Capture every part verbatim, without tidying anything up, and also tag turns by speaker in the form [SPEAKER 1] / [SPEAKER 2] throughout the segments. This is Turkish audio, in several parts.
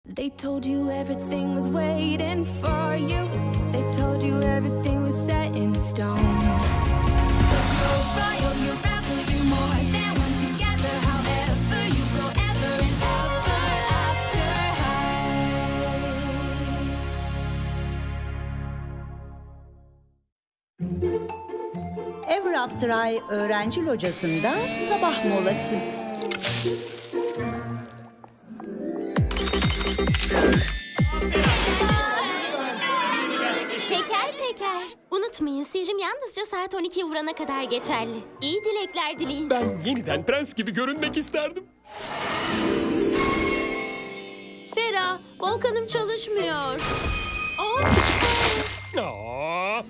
[SPEAKER 1] They told you everything was waiting for you. They told you everything was set in stone. 'Cause you're royal, you're rebel, you're more than one together. However you go, ever and ever after high.
[SPEAKER 2] Ever After High öğrenci locasında sabah molası.
[SPEAKER 3] Peker peker. Unutmayın, sihrim yalnızca saat on ikiye vurana kadar geçerli. İyi dilekler dileyin.
[SPEAKER 4] Ben yeniden prens gibi görünmek isterdim.
[SPEAKER 3] Fera, volkanım çalışmıyor. Oh.
[SPEAKER 4] Aa!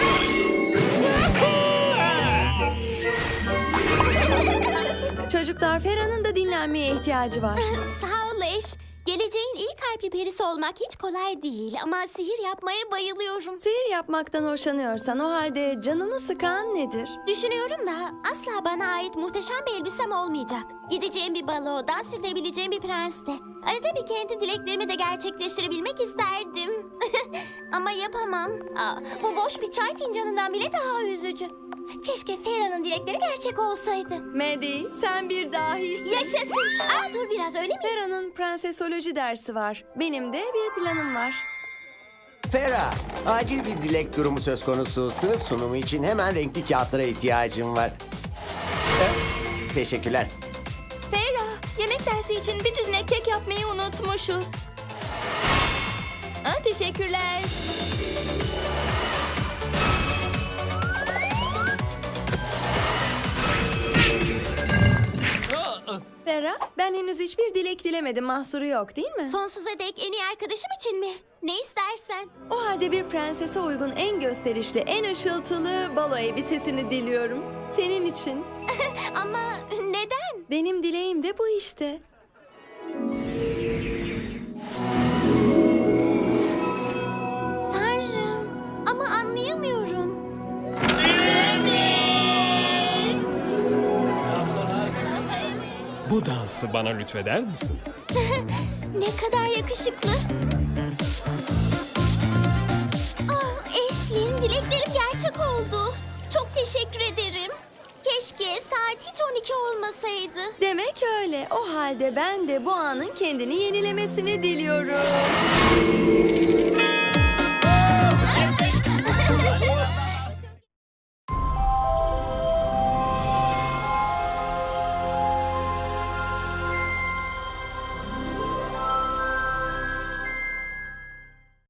[SPEAKER 5] Çocuklar, Fera'nın da dinlenmeye ihtiyacı var.
[SPEAKER 3] Sağ ol eş. Geleceğin iyi kalpli perisi olmak hiç kolay değil ama sihir yapmaya bayılıyorum.
[SPEAKER 5] Sihir yapmaktan hoşlanıyorsan o halde canını sıkan nedir?
[SPEAKER 3] Düşünüyorum da asla bana ait muhteşem bir elbisem olmayacak. Gideceğim bir balo, dans edebileceğim bir prenste. Arada bir kendi dileklerimi de gerçekleştirebilmek isterdim. Ama yapamam. Aa, bu boş bir çay fincanından bile daha üzücü. Keşke Fera'nın dilekleri gerçek olsaydı.
[SPEAKER 5] Maddie, sen bir dahisin.
[SPEAKER 3] Yaşasın. Aa, dur biraz, öyle mi?
[SPEAKER 5] Fera'nın prensesoloji dersi var. Benim de bir planım var.
[SPEAKER 6] Fera, acil bir dilek durumu söz konusu. Sınıf sunumu için hemen renkli kağıtlara ihtiyacım var. Eh, teşekkürler.
[SPEAKER 5] Fera, yemek dersi için bir düzine kek yapmayı unutmuşuz. Aa, teşekkürler. Fera, ben henüz hiçbir dilek dilemedim. Mahsuru yok değil mi?
[SPEAKER 3] Sonsuza dek en iyi arkadaşım için mi? Ne istersen.
[SPEAKER 5] O halde bir prensese uygun en gösterişli, en ışıltılı balo elbisesini diliyorum. Senin için.
[SPEAKER 3] Ama neden?
[SPEAKER 5] Benim dileğim de bu işte.
[SPEAKER 3] Tanrım. Ama anlayamıyorum.
[SPEAKER 4] Bu dansı bana lütfeder misin?
[SPEAKER 3] Ne kadar yakışıklı. Ah, Ashley'in dileklerim gerçek oldu. Çok teşekkür ederim. Keşke saat hiç on iki olmasaydı.
[SPEAKER 5] Demek öyle. O halde ben de bu anın kendini yenilemesini diliyorum.